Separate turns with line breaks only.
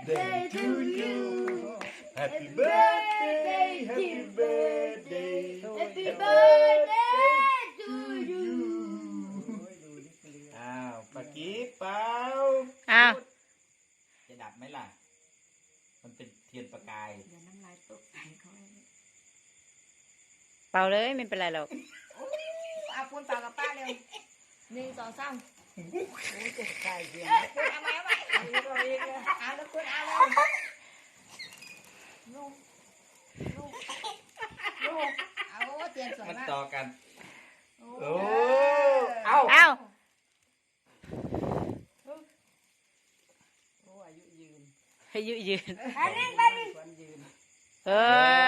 birthday to you Happy birthday Happy birthday Happy birthday to you อ้าวปากกี้เป่า
อ้าว
จะดับไหมล่ะมันเป็นเทียนประกาย
เดี๋ยวน้ำลายตกใส่เขาเลย
เป่าเลยไม่เป็นไรหรอก
เอาปูนเปล่ากับป้าเร็ว1 2 3โอ้ยตกใจเดี๋ยวปูนเอาไหมเอาแล้วปูนเอาเลยลูกเอาเตียนสวย
มัน
มาก
ต่อกัน
โอ้
โอ้เอา
เอ้า
อายุยืน
ให้ยืน
ไปดิ
เฮ้